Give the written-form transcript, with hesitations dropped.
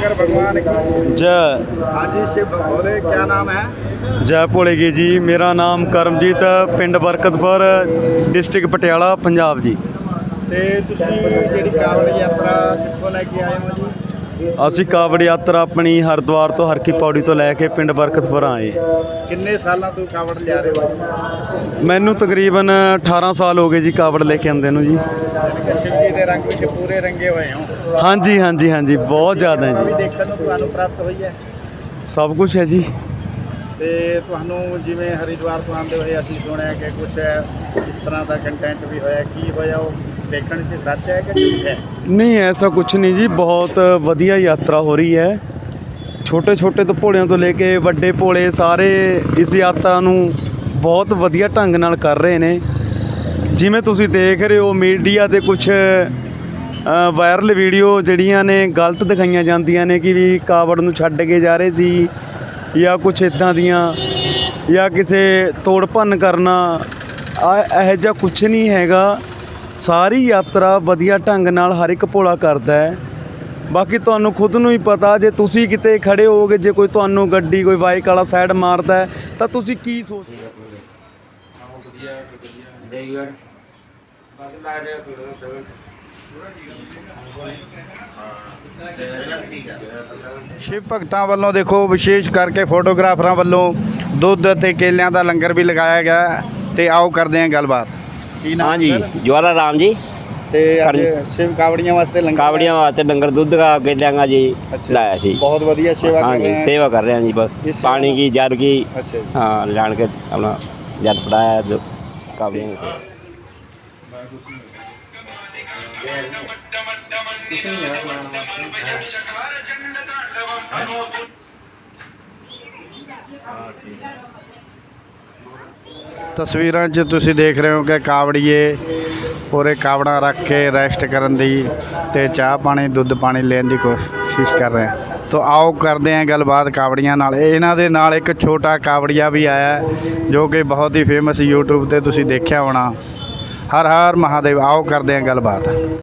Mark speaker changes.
Speaker 1: शंकर भगवान की
Speaker 2: जय।
Speaker 1: हाँ जी शिव भोले, क्या नाम है?
Speaker 2: जय भोलेगी जी। मेरा नाम करमजीत पिंड बरकतपुर डिस्ट्रिक्ट पटियाला पंजाब जी।
Speaker 1: ਤੇ ਤੁਸੀਂ ਜਿਹੜੀ ਕਾਵੜ ਯਾਤਰਾ ਕਿੱਥੋਂ ਲੈ ਕੇ ਆਏ ਹੋ ਜੀ?
Speaker 2: ਅਸੀਂ ਕਾਵੜ ਯਾਤਰਾ ਆਪਣੀ ਹਰਿਦੁਆਰ ਤੋਂ ਹਰਕੀ ਪੌੜੀ ਤੋਂ ਲੈ ਕੇ ਪਿੰਡ ਬਰਕਤਪੁਰ ਆਏ।
Speaker 1: ਕਿੰਨੇ ਸਾਲਾਂ ਤੋਂ ਕਾਵੜ ਲਿਆ ਰਹੇ ਹੋ?
Speaker 2: ਮੈਨੂੰ ਤਕਰੀਬਨ 18 ਸਾਲ ਹੋ ਗਏ ਜੀ ਕਾਵੜ ਲੈ ਕੇ ਆਉਂਦੇ ਨੂੰ ਜੀ।
Speaker 1: ਸ਼ਿਵ ਜੀ ਦੇ ਰੰਗ ਵਿੱਚ ਪੂਰੇ ਰੰਗੇ ਹੋਏ ਹੋ।
Speaker 2: ਹਾਂਜੀ ਹਾਂਜੀ ਹਾਂਜੀ, ਬਹੁਤ ਜ਼ਿਆਦਾ
Speaker 1: ਵੀ
Speaker 2: ਜੀ।
Speaker 1: ਦੇਖਣ ਨੂੰ ਤੁਹਾਨੂੰ ਪ੍ਰਾਪਤ ਹੋਈ ਹੈ
Speaker 2: ਸਭ ਕੁਝ ਹੈ ਜੀ।
Speaker 1: ਤੇ ਤੁਹਾਨੂੰ ਜਿਵੇਂ ਹਰਿਦੁਆਰ ਤੋਂ ਆਉਂਦੇ ਹੋਏ ਅਸੀਂ ਸੁਣਿਆ ਕਿ ਕੁਝ ਇਸ ਤਰ੍ਹਾਂ ਦਾ ਕੰਟੈਂਟ ਵੀ ਹੋਇਆ, ਕੀ ਹੋਇਆ ਉਹ ਦੇਖਣ 'ਚ ਸੱਚ ਹੈ ਕਿ ਝੂਠ ਹੈ?
Speaker 2: ਨਹੀਂ, ਐਸਾ ਕੁਝ ਨਹੀਂ ਜੀ। ਬਹੁਤ ਵਧੀਆ ਯਾਤਰਾ ਹੋ ਰਹੀ ਹੈ। ਛੋਟੇ ਛੋਟੇ ਤੋਂ ਭੋਲਿਆਂ ਤੋਂ ਲੈ ਕੇ ਵੱਡੇ ਭੋਲੇ ਸਾਰੇ ਇਸ ਯਾਤਰਾ ਨੂੰ ਬਹੁਤ ਵਧੀਆ ਢੰਗ ਨਾਲ ਕਰ ਰਹੇ ਨੇ। ਜਿਵੇਂ ਤੁਸੀਂ ਦੇਖ ਰਹੇ ਹੋ ਮੀਡੀਆ 'ਤੇ ਕੁਝ ਵਾਇਰਲ ਵੀਡੀਓ ਜਿਹੜੀਆਂ ਨੇ ਗਲਤ ਦਿਖਾਈਆਂ ਜਾਂਦੀਆਂ ਨੇ ਕਿ ਵੀ ਕਾਵੜ ਨੂੰ ਛੱਡ ਕੇ ਜਾ ਰਹੇ ਸੀ ਜਾਂ ਕੁਝ ਇੱਦਾਂ ਦੀਆਂ, ਜਾਂ ਕਿਸੇ ਤੋੜ ਭੰਨ ਕਰਨਾ, ਇਹੋ ਜਿਹਾ ਕੁਝ ਨਹੀਂ ਹੈਗਾ। ਸਾਰੀ ਯਾਤਰਾ ਵਧੀਆ ਢੰਗ ਨਾਲ ਹਰ ਇੱਕ ਭੋਲਾ ਕਰਦਾ ਹੈ। ਬਾਕੀ ਤੁਹਾਨੂੰ ਖੁਦ ਨੂੰ ਹੀ ਪਤਾ, ਜੇ ਤੁਸੀਂ ਕਿਤੇ ਖੜੇ ਹੋਵੋਗੇ, ਜੇ ਕੋਈ ਤੁਹਾਨੂੰ ਗੱਡੀ ਕੋਈ ਬਾਈਕ ਵਾਲਾ ਸਾਈਡ ਮਾਰਦਾ ਹੈ ਤਾਂ ਤੁਸੀਂ ਕੀ ਸੋਚਦੇ ਹੋ?
Speaker 1: ਸ਼ਿਵ ਭਗਤਾਂ ਵੱਲੋਂ ਦੇਖੋ ਵਿਸ਼ੇਸ਼ ਕਰਕੇ ਫੋਟੋਗ੍ਰਾਫਰਾਂ ਵੱਲੋਂ ਦੁੱਧ ਅਤੇ ਕੇਲਿਆਂ ਦਾ ਲੰਗਰ ਵੀ ਲਗਾਇਆ ਗਿਆ ਤੇ ਆਓ ਕਰਦੇ ਹਾਂ ਗੱਲਬਾਤ। ਕੀ ਨਾਮ?
Speaker 3: हाँ जी, ज्वाला राम जी।
Speaker 1: ਤੇ ਅੱਜ ਸ਼ਿਵ ਕਾਵੜੀਆਂ ਵਾਸਤੇ ਲੰਗਰ
Speaker 3: कावड़ियाँ वास्ते लंगर दूध का केलियाँ का जी लाया सी।
Speaker 1: ਬਹੁਤ ਵਧੀਆ ਸੇਵਾ
Speaker 3: हाँ
Speaker 1: ਕਰ
Speaker 3: जी,
Speaker 1: ਰਹੇ हैं।
Speaker 3: सेवा कर रहे हैं जी। बस
Speaker 1: इस सेवा
Speaker 3: पानी की जर की
Speaker 1: अच्छा जी।
Speaker 3: हाँ लान के अपना जर पड़ाया जो कावड़ियाँ को।
Speaker 1: ਤਸਵੀਰਾਂ 'ਚ ਤੁਸੀਂ ਦੇਖ ਰਹੇ ਹੋ ਕਿ ਕਾਵੜੀਏ ਪੂਰੇ ਕਾਵੜਾਂ ਰੱਖ ਕੇ ਰੈਸਟ ਕਰਨ ਦੀ ਤੇ ਚਾਹ ਪਾਣੀ ਦੁੱਧ ਪਾਣੀ ਲੈਣ ਦੀ ਕੋਸ਼ਿਸ਼ ਕਰ ਰਹੇ ਹਨ। ਤੋ ਆਓ ਕਰਦੇ ਹਾਂ ਗੱਲਬਾਤ ਕਾਵੜੀਆਂ ਨਾਲ। ਇਹਨਾਂ ਦੇ ਨਾਲ ਇੱਕ ਛੋਟਾ ਕਾਵੜੀਆ ਵੀ ਆਇਆ ਜੋ ਕਿ ਬਹੁਤ ਹੀ ਫੇਮਸ YouTube ਤੇ ਤੁਸੀਂ ਦੇਖਿਆ ਹੋਣਾ। ਹਰ ਹਰ ਮਹਾਦੇਵ। ਆਓ ਕਰਦੇ ਹਾਂ ਗੱਲਬਾਤ।